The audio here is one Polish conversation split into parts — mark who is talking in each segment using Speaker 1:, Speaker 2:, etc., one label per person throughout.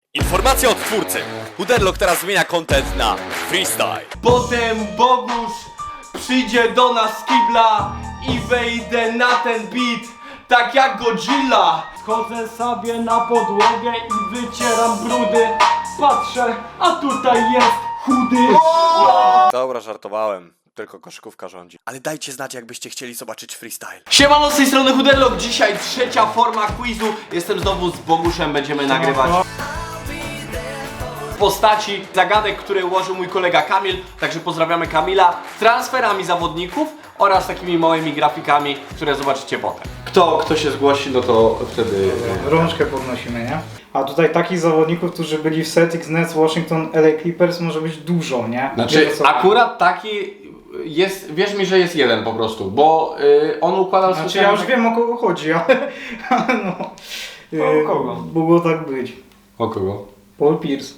Speaker 1: Informacja od twórcy. Huderlock teraz zmienia content na freestyle.
Speaker 2: Potem Bogusz przyjdzie do nas z kibla i wejdę na ten beat, tak jak Godzilla.
Speaker 3: Chodzę sobie na podłogę i wycieram brudy. Patrzę, a tutaj jest chudy.
Speaker 1: Dobra, żartowałem. Tylko koszykówka rządzi. Ale dajcie znać, jakbyście chcieli zobaczyć freestyle.
Speaker 2: Siemano, z tej strony Huderlock. Dzisiaj trzecia forma quizu. Jestem znowu z Boguszem, będziemy nagrywać postaci zagadek, które ułożył mój kolega Kamil. Także pozdrawiamy Kamila. Transferami zawodników oraz takimi małymi grafikami, które zobaczycie potem. Kto się zgłosi, no to wtedy...
Speaker 3: Rączkę podnosimy, nie? A tutaj takich zawodników, którzy byli w Celtics, Nets, Washington, LA Clippers może być dużo, nie?
Speaker 2: Znaczy,
Speaker 3: Wiesz, o co-
Speaker 2: akurat taki jest, wierz mi, że jest jeden po prostu, bo on układał
Speaker 3: Znaczy ja już wiem, o kogo chodzi, ale no...
Speaker 2: O kogo?
Speaker 3: Mogło tak być.
Speaker 2: O kogo?
Speaker 3: Paul Pierce.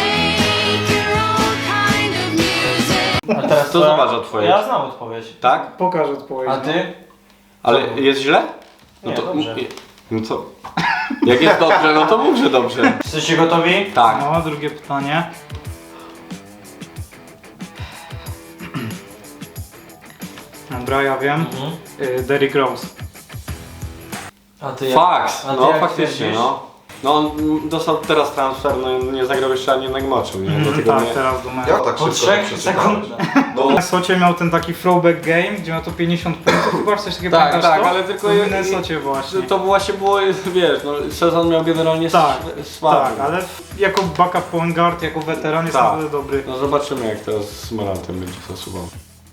Speaker 4: A teraz
Speaker 2: Co zobacz odpowiedź?
Speaker 4: Ja znam odpowiedź.
Speaker 2: Tak?
Speaker 3: Pokaż odpowiedź.
Speaker 4: A ty?
Speaker 2: Ale jest źle? No
Speaker 4: Nie,
Speaker 2: to
Speaker 4: dobrze.
Speaker 2: No co? Jak jest dobrze, no to mów, że dobrze.
Speaker 4: Jesteście gotowi?
Speaker 2: Tak.
Speaker 3: No, drugie pytanie. Dobra, ja wiem. Derrick Rose.
Speaker 4: A ty
Speaker 2: Faks,
Speaker 4: a ty
Speaker 2: no
Speaker 4: jak
Speaker 2: faktycznie,
Speaker 4: twierdzisz?
Speaker 2: no. No on dostał teraz transfer, no nie zagrał jeszcze ani jednego meczu, nie? Dlatego
Speaker 3: Tak,
Speaker 2: nie...
Speaker 3: teraz do meczu.
Speaker 5: Ja tak
Speaker 4: Po
Speaker 5: szybko
Speaker 4: 3
Speaker 5: przeczytałem.
Speaker 4: sekundach.
Speaker 5: No,
Speaker 3: W Minnesocie miał ten taki throwback game, gdzie miał to 50 punktów, chyba coś takiego,
Speaker 2: Tak,
Speaker 3: pamiętasz
Speaker 2: tak,
Speaker 3: to?
Speaker 2: ale tylko
Speaker 3: W
Speaker 2: je-
Speaker 3: Minnesocie właśnie.
Speaker 2: To właśnie było, wiesz, no sezon miał generalnie
Speaker 3: Tak,
Speaker 2: słaby.
Speaker 3: tak, ale jako backup point guard, jako weteran jest
Speaker 2: Tak.
Speaker 3: naprawdę dobry.
Speaker 2: No zobaczymy, jak teraz z Morantem będzie zasuwał.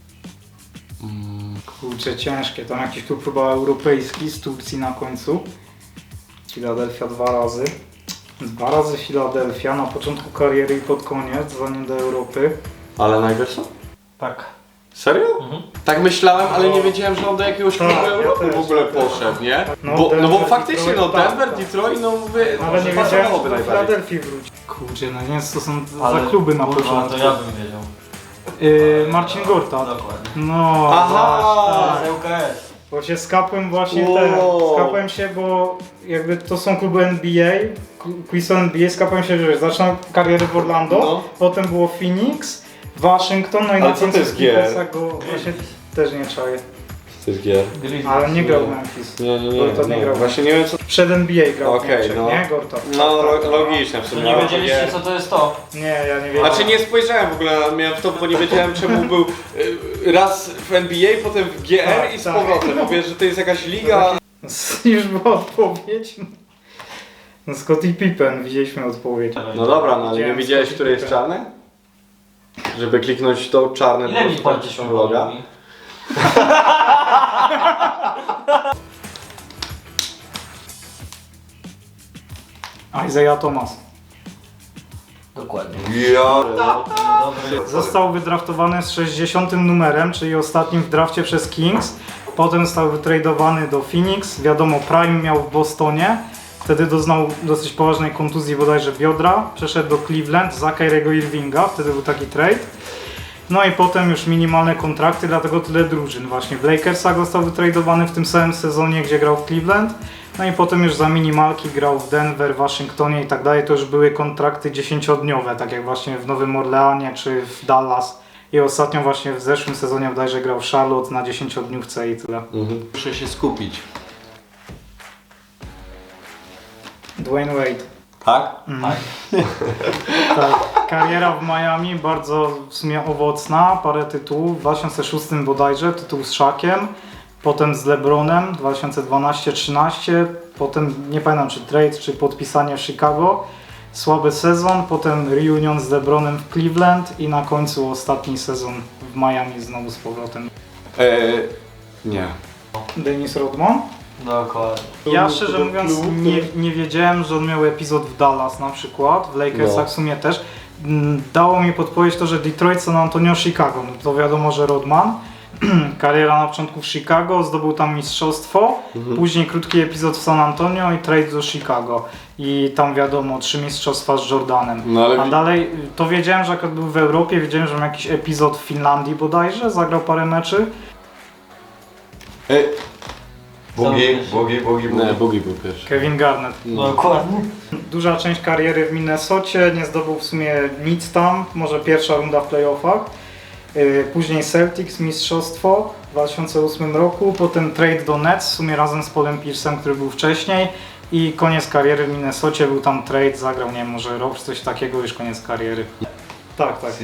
Speaker 3: Kurczę, ciężkie, tam jakiś klub chyba europejski z Turcji na końcu. Philadelphia 2 razy. 2 razy Philadelphia na początku kariery i pod koniec, zanim do Europy.
Speaker 2: Ale Iverson?
Speaker 4: Tak.
Speaker 2: Serio?
Speaker 4: Mhm.
Speaker 2: Tak myślałem, ale nie wiedziałem, że on do jakiegoś klubu
Speaker 3: Tak, ja
Speaker 2: Europy
Speaker 3: też,
Speaker 2: w ogóle
Speaker 3: ja też.
Speaker 2: poszedł, nie?
Speaker 3: No,
Speaker 2: Bo
Speaker 3: Denver,
Speaker 2: faktycznie, no
Speaker 3: Detroit,
Speaker 2: Denver,
Speaker 3: tak, tak.
Speaker 2: Detroit, no mówię,
Speaker 3: Ale
Speaker 2: może
Speaker 3: nie wiedziałem, że
Speaker 2: pasowałoby
Speaker 3: do
Speaker 2: najbardziej.
Speaker 3: Philadelphii wróci. Kurczę, no nie wiem, co są
Speaker 4: Ale
Speaker 3: za kluby na
Speaker 4: kurwa,
Speaker 3: początku.
Speaker 4: to ja bym wiedział.
Speaker 3: Marcin Gortat.
Speaker 4: Dokładnie.
Speaker 3: No,
Speaker 2: Aha!
Speaker 3: tak.
Speaker 4: Z ŁKS.
Speaker 3: Bo się skapłem właśnie
Speaker 2: Wow.
Speaker 3: skapłem się, bo jakby to są kluby NBA, quiz NBA, skapłem się, że zaczynam karierę w Orlando,
Speaker 2: No.
Speaker 3: potem było Phoenix, Waszyngton, no i
Speaker 2: Ale
Speaker 3: na
Speaker 2: co to
Speaker 3: końcu
Speaker 2: jest gier?
Speaker 3: Clippersach go właśnie też nie czaję.
Speaker 2: To jest gier.
Speaker 4: Grizzlies.
Speaker 3: Ale nie grał w Memphis.
Speaker 2: Nie,
Speaker 3: Gortat nie grał.
Speaker 2: Właśnie nie wiem co...
Speaker 3: Przed NBA grał w
Speaker 2: Okej,
Speaker 3: Niemczech,
Speaker 2: no.
Speaker 3: nie? Gortat.
Speaker 2: No
Speaker 3: Tak,
Speaker 2: logiczne w
Speaker 4: To
Speaker 2: sumie.
Speaker 4: nie
Speaker 2: ale
Speaker 4: wiedzieliście
Speaker 2: gier.
Speaker 4: co to jest to?
Speaker 3: Nie, ja nie wiedziałem.
Speaker 2: Znaczy nie spojrzałem w ogóle, miałem w to, bo nie wiedziałem czemu był raz w NBA, potem w GR
Speaker 3: Tak,
Speaker 2: i z
Speaker 3: tak.
Speaker 2: powrotem. Mówię, że to jest jakaś liga.
Speaker 3: Już była odpowiedź. No Scottie Pippen, widzieliśmy odpowiedź.
Speaker 2: No dobra, no ale nie
Speaker 3: Widziałem
Speaker 2: widziałeś,
Speaker 3: Scottie
Speaker 2: które jest
Speaker 3: Pippen.
Speaker 2: czarne? Żeby kliknąć to czarne
Speaker 4: Ile mi
Speaker 2: to
Speaker 4: płacisz
Speaker 2: loga.
Speaker 3: Isaiah Thomas.
Speaker 4: Dokładnie.
Speaker 5: ja...
Speaker 4: Dobry.
Speaker 3: Został wydraftowany z 60 numerem, czyli ostatnim w drafcie przez Kings. Potem został wytradowany do Phoenix. Wiadomo, Prime miał w Bostonie. Wtedy doznał dosyć poważnej kontuzji bodajże biodra. Przeszedł do Cleveland za Kyriego Irvinga. Wtedy był taki trade. No i potem już minimalne kontrakty, dlatego tyle drużyn. Właśnie w Lakersach został wytradowany w tym samym sezonie, gdzie grał w Cleveland. No i potem już za minimalki grał w Denver, Waszyngtonie i tak dalej. To już były kontrakty 10-dniowe, tak jak właśnie w Nowym Orleanie czy w Dallas. I ostatnio właśnie w zeszłym sezonie bodajże grał w Charlotte na 10-dniówce i tyle.
Speaker 2: Muszę się skupić.
Speaker 3: Dwayne Wade.
Speaker 2: Tak?
Speaker 3: Tak. Kariera w Miami bardzo w sumie owocna, parę tytułów. W 2006 bodajże tytuł z Shaquem, potem z LeBronem 2012-13, potem nie pamiętam czy trade, czy podpisanie w Chicago. Słaby sezon, potem reunion z LeBronem w Cleveland i na końcu ostatni sezon w Miami znowu z powrotem.
Speaker 2: Nie.
Speaker 3: Dennis Rodman?
Speaker 4: Dokładnie.
Speaker 3: Ja szczerze mówiąc nie wiedziałem, że on miał epizod w Dallas na przykład, w Lakersach
Speaker 2: No.
Speaker 3: w sumie też. Dało mi podpowiedź to, że Detroit, San Antonio, Chicago. No to wiadomo, że Rodman. Kariera na początku w Chicago, zdobył tam mistrzostwo, później krótki epizod w San Antonio i trade do Chicago. I tam wiadomo, 3 mistrzostwa z Jordanem.
Speaker 2: No ale
Speaker 3: A dalej, to wiedziałem, że jak był w Europie, wiedziałem, że miał jakiś epizod w Finlandii bodajże, zagrał parę meczy.
Speaker 1: Boogie był pierwszy.
Speaker 3: Kevin Garnett.
Speaker 4: Dokładnie.
Speaker 3: Duża część kariery w Minnesocie, nie zdobył w sumie nic tam, może pierwsza runda w playoffach. Później Celtics, mistrzostwo w 2008 roku, potem trade do Nets, w sumie razem z Paulem Pierce'em, który był wcześniej. I koniec kariery w Minnesocie, był tam trade, zagrał, nie wiem, może rok czy coś takiego, już koniec kariery. Tak, tak.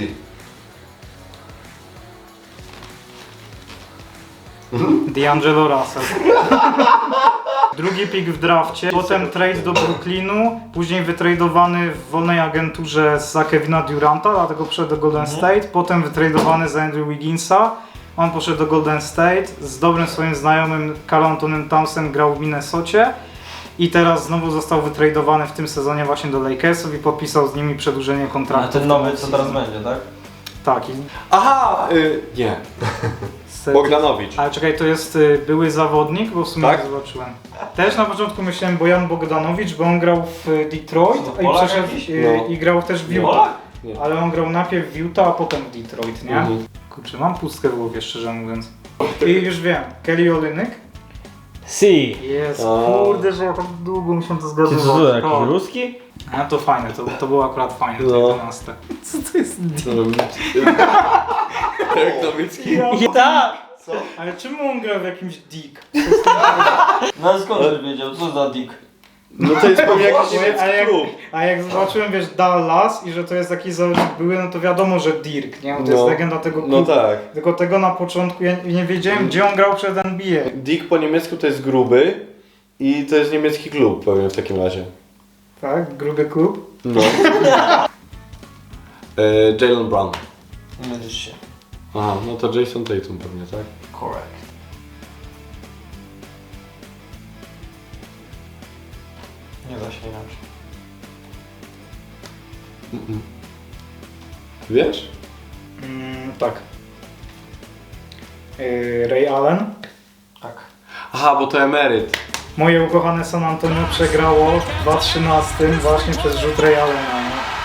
Speaker 3: D'Angelo Russell. Drugi pick w drafcie, potem trade do Brooklynu, później wytradowany w wolnej agenturze za Kevina Duranta, dlatego poszedł do Golden State, potem wytradowany za Andrew Wigginsa, on poszedł do Golden State, z dobrym swoim znajomym Karl Antonym Townsem grał w Minnesocie i teraz znowu został wytradowany w tym sezonie właśnie do Lakersów i podpisał z nimi przedłużenie
Speaker 4: A
Speaker 3: kontraktu.
Speaker 4: ten nowy co teraz będzie, tak?
Speaker 3: Tak.
Speaker 1: Aha! Nie. Bogdanowicz.
Speaker 3: Ale czekaj, to jest były zawodnik, bo w sumie
Speaker 1: Tak?
Speaker 3: nie zobaczyłem. Też na początku myślałem Bojan Bogdanowicz, bo on grał w Detroit
Speaker 4: Co,
Speaker 3: i
Speaker 4: Polak
Speaker 3: przeszedł
Speaker 4: jakiś?
Speaker 1: No.
Speaker 3: i grał też w Utah.
Speaker 4: Polak?
Speaker 1: Nie.
Speaker 3: Ale on grał najpierw w Utah, a potem w Detroit, nie?
Speaker 1: Mhm.
Speaker 3: Kurczę, mam pustkę w głowie, szczerze mówiąc. I już wiem, Kelly Olynyk.
Speaker 4: Si.
Speaker 3: Jest,
Speaker 1: A.
Speaker 3: kurde, że ja tak długo mi się to
Speaker 4: Ty
Speaker 3: zgadywać.
Speaker 4: co, jakiś
Speaker 3: O,
Speaker 4: ruski?
Speaker 3: a to fajne, to było akurat fajne, to
Speaker 1: No.
Speaker 3: 11. Co to jest?
Speaker 1: Derek Nowicki.
Speaker 4: Tak!
Speaker 3: Ale czemu on grał w jakimś Dick?
Speaker 4: No skąd ty wiedział, co za dick?
Speaker 1: No to jest pewnie jakiś niemiecki
Speaker 3: A jak,
Speaker 1: klub.
Speaker 3: a jak zobaczyłem, wiesz, Dallas i że to jest taki zawodnik były, no to wiadomo, że Dirk, nie? Bo to jest legenda tego klubu.
Speaker 1: No tak.
Speaker 3: Tylko tego na początku ja nie wiedziałem, gdzie on grał przed NBA.
Speaker 1: Dick po niemiecku to jest gruby i to jest niemiecki klub pewnie w takim razie.
Speaker 3: Tak? Gruby klub.
Speaker 1: No. Jalen Brown.
Speaker 4: Nie mylisz się.
Speaker 1: Aha, no to Jason Tatum pewnie, tak?
Speaker 4: Correct. Nie da się inaczej.
Speaker 1: Wiesz?
Speaker 3: Tak. Ray Allen.
Speaker 4: Tak.
Speaker 1: Aha, bo to emeryt.
Speaker 3: Moje ukochane San Antonio przegrało w 2013 właśnie przez rzut Ray Allena.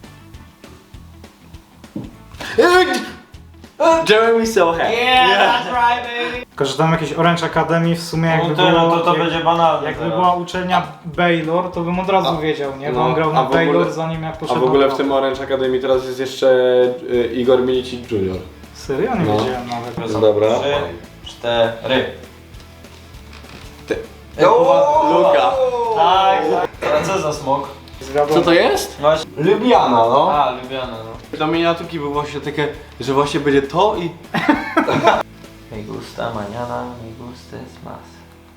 Speaker 1: Jeremy Sohan.
Speaker 4: that's right, baby!
Speaker 3: Tylko, że tam jakieś Orange Academy w sumie jakby
Speaker 4: No
Speaker 3: było...
Speaker 4: to będzie banalne
Speaker 3: Jakby
Speaker 4: teraz.
Speaker 3: była uczelnia Baylor, to bym od razu wiedział, nie? Bo on grał na
Speaker 1: w ogóle-
Speaker 3: Baylor zanim jak
Speaker 1: A
Speaker 3: poszedł
Speaker 1: w ogóle
Speaker 3: na
Speaker 1: w tym Orange Academy teraz jest jeszcze Igor Milicic Jr.
Speaker 3: Serio? Nie
Speaker 1: No.
Speaker 3: wiedziałem nawet.
Speaker 1: Dobra.
Speaker 4: 3, 4.
Speaker 1: Luka.
Speaker 4: Tak, tak. A co za smok?
Speaker 1: Co to jest?
Speaker 4: Właśnie.
Speaker 1: Lubiana, no.
Speaker 4: A, Lubiana, no.
Speaker 1: Do miniaturki było właśnie takie, że właśnie będzie to i...
Speaker 4: Me gusta mañana, me gusta es más.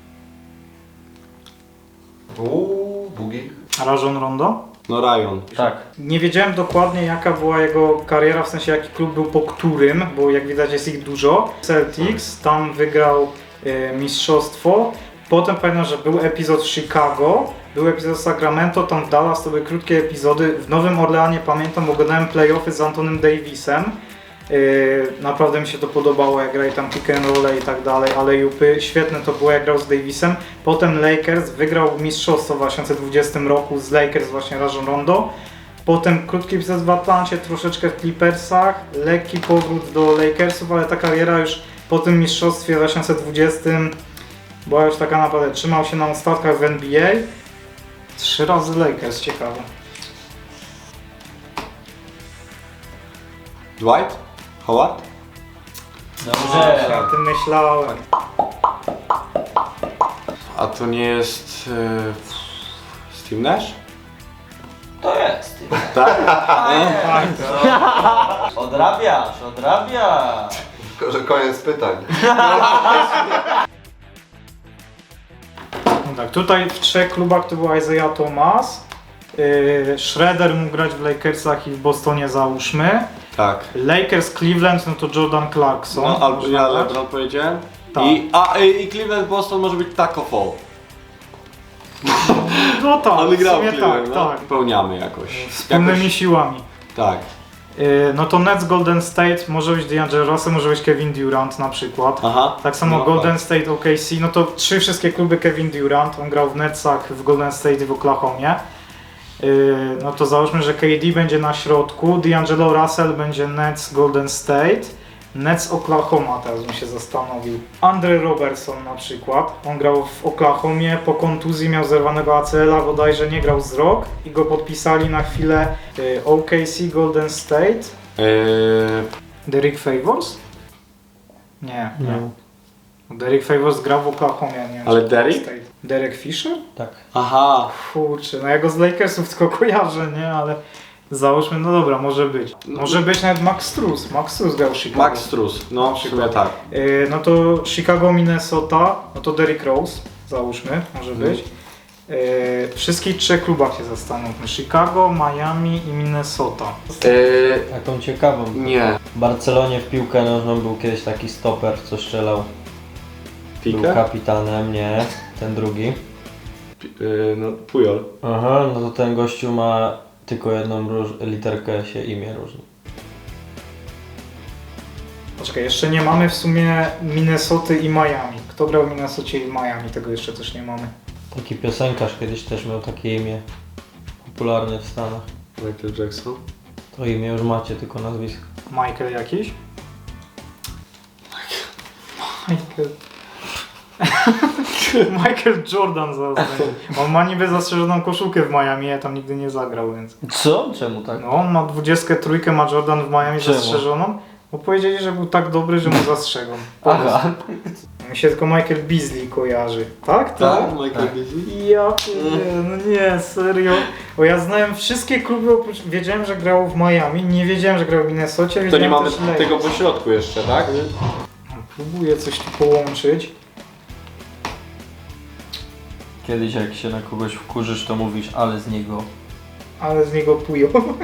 Speaker 5: Bugi.
Speaker 3: Rajon Rondo?
Speaker 1: No Ryan.
Speaker 4: Tak.
Speaker 3: Nie wiedziałem dokładnie jaka była jego kariera, w sensie jaki klub był po którym, bo jak widać jest ich dużo. Celtics, tam wygrał mistrzostwo. Potem pamiętam, że był epizod w Chicago, był epizod w Sacramento, tam w Dallas to były krótkie epizody. W Nowym Orleanie pamiętam, oglądałem playoffy z Antonym Davisem. Naprawdę mi się to podobało, jak grali tam pick and roll i tak dalej, ale jupy, świetne to było jak grał z Davisem. Potem Lakers wygrał mistrzostwo w 2020 roku z Lakers właśnie Rajon Rondo. Potem krótki epizod w Atlancie, troszeczkę w Clippersach, lekki powrót do Lakersów, ale ta kariera już po tym mistrzostwie w 2020 była już taka naprawdę, trzymał się na ostatkach w NBA. 3 razy Lakers, ciekawe.
Speaker 1: Dwight? Howard?
Speaker 4: Dobrze.
Speaker 3: O tym myślałem.
Speaker 1: A to nie jest... Steve Nash?
Speaker 4: To jest.
Speaker 1: Tak?
Speaker 4: Odrabiasz, odrabiasz.
Speaker 5: Tylko, że koniec pytań.
Speaker 3: No tak, tutaj w 3 klubach to był Isaiah Thomas. Schroeder mógł grać w Lakersach i w Bostonie, załóżmy.
Speaker 1: Tak.
Speaker 3: Lakers, Cleveland, no to Jordan Clarkson.
Speaker 1: No, albo
Speaker 3: można
Speaker 1: ja
Speaker 3: dać.
Speaker 1: LeBron powiedziałem.
Speaker 3: Tak.
Speaker 1: I Cleveland Boston może być Taco Fall.
Speaker 3: No tak,
Speaker 1: On
Speaker 3: w
Speaker 1: grał
Speaker 3: sumie
Speaker 1: w Cleveland,
Speaker 3: tak,
Speaker 1: no.
Speaker 3: tak.
Speaker 1: Pełniamy jakoś.
Speaker 3: Wspólnymi siłami.
Speaker 1: Tak.
Speaker 3: No to Nets, Golden State, może być D'Angelo Russell, może być Kevin Durant na przykład.
Speaker 1: Aha.
Speaker 3: Tak samo
Speaker 1: No,
Speaker 3: Golden
Speaker 1: tak.
Speaker 3: State, OKC, no to 3 wszystkie kluby Kevin Durant, on grał w Netsach, w Golden State i w Oklahomie. No to załóżmy, że KD będzie na środku, D'Angelo Russell będzie Nets, Golden State, Nets Oklahoma, teraz bym się zastanowił. Andre Robertson na przykład. On grał w Oklahomie, po kontuzji miał zerwanego ACL-a, bodajże nie grał z rok i go podpisali na chwilę OKC Golden State. Derek Favors? Nie. Derek Favors grał w Oklahomie, nie wiem.
Speaker 2: Ale
Speaker 3: czy
Speaker 2: Derek?
Speaker 3: Golden State. Derek Fisher?
Speaker 4: Tak.
Speaker 2: Aha.
Speaker 3: Kurczę, no ja go z Lakersów tylko kojarzę, nie? Ale załóżmy, no dobra, może być. Może być nawet Max Strus. Max Strus grał w Chicago.
Speaker 2: Max Strus, no w sumie tak.
Speaker 3: No to Chicago, Minnesota, no to Derrick Rose, załóżmy, może być. Wszystkich trzech klubach się zastanówmy. Chicago, Miami i Minnesota.
Speaker 4: Taką ciekawą.
Speaker 2: Nie.
Speaker 4: W Barcelonie w piłkę nożną był kiedyś taki stoper, co strzelał. Był
Speaker 2: Pique?
Speaker 4: kapitanem, nie, ten drugi.
Speaker 2: No Pujol.
Speaker 4: Aha, no to ten gościu ma tylko jedną literkę się imię różni.
Speaker 3: Poczekaj, jeszcze nie mamy w sumie Minnesoty i Miami. Kto grał w Minnesocie i w Miami? Tego jeszcze też nie mamy.
Speaker 4: Taki piosenkarz kiedyś też miał takie imię. Popularne w Stanach.
Speaker 2: Michael Jackson.
Speaker 4: To imię już macie, tylko nazwisko.
Speaker 3: Michael jakiś? Michael. Michael Jordan zaraz. On ma niby zastrzeżoną koszulkę w Miami, ja tam nigdy nie zagrał, więc...
Speaker 4: Co? Czemu tak?
Speaker 3: No, on ma 23, ma Jordan w Miami
Speaker 4: Czemu?
Speaker 3: zastrzeżoną, bo powiedzieli, że był tak dobry, że mu zastrzegą.
Speaker 4: Aha.
Speaker 3: Mi się tylko Michael Beasley kojarzy. Tak?
Speaker 2: Tak, Michael Beasley.
Speaker 3: Ja pierdzielę, no nie, serio. Bo ja znałem wszystkie kluby, oprócz... Wiedziałem, że grał w Miami, nie wiedziałem, że grał w Minnesocie,
Speaker 2: To nie
Speaker 3: wiedziałem
Speaker 2: mamy
Speaker 3: też Lakers.
Speaker 2: tego pośrodku jeszcze, tak?
Speaker 3: Próbuję coś tu połączyć.
Speaker 4: Kiedyś jak się na kogoś wkurzysz, to mówisz, ale z niego.
Speaker 3: Ale z niego pują.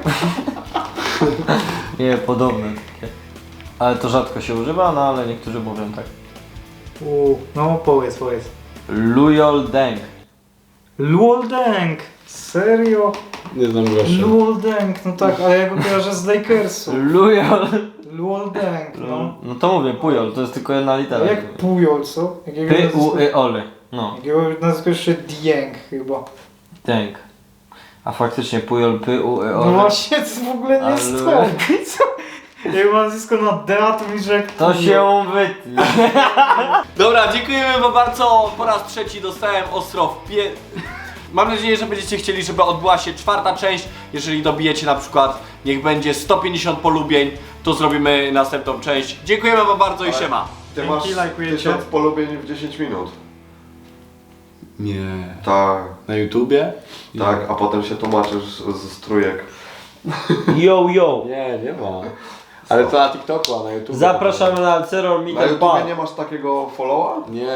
Speaker 4: Nie, podobne takie. Ale to rzadko się używa, no ale niektórzy mówią tak.
Speaker 3: No powiedz.
Speaker 4: Lujol Deng.
Speaker 3: Luol Deng. Serio?
Speaker 2: Nie znam gościa.
Speaker 3: Luol Deng, no tak, ale ja go kojarzę z Lakersu.
Speaker 4: Lujol.
Speaker 3: Luol Deng, no.
Speaker 4: No to mówię, Pujol, to jest tylko jedna litera.
Speaker 3: Jak Pujol, co?
Speaker 4: P-U-I-O-L. No,
Speaker 3: Jakiego nazwisko jeszcze Dieng chyba.
Speaker 4: Deng. A faktycznie Pujol,
Speaker 3: No
Speaker 4: P-U-I-O-L.
Speaker 3: właśnie, to w ogóle nie
Speaker 4: Ale-
Speaker 3: stąd. Co? Jak mam nazwisko na D, a to mi że jak
Speaker 4: To
Speaker 3: Pujol.
Speaker 4: się wytnie.
Speaker 2: Dobra, dziękujemy wam bardzo. Po raz trzeci dostałem ostro w pie... Mam nadzieję, że będziecie chcieli, żeby odbyła się czwarta część. Jeżeli dobijecie na przykład, niech będzie 150 polubień, to zrobimy następną część. Dziękujemy wam bardzo i siema.
Speaker 5: Ty
Speaker 3: Dzięki,
Speaker 5: masz
Speaker 3: lajkujecie.
Speaker 5: 1000 polubień w 10 minut.
Speaker 2: Nie.
Speaker 5: Tak,
Speaker 2: Na YouTubie?
Speaker 5: tak, a potem się tłumaczysz z trójek.
Speaker 4: Yo, yo.
Speaker 2: Nie ma. Ale to na TikToku, a na YouTube.
Speaker 4: Zapraszamy na Ceror
Speaker 5: Na
Speaker 4: Meet and
Speaker 5: YouTubie
Speaker 4: Pan.
Speaker 5: nie masz takiego followa?
Speaker 2: Nie.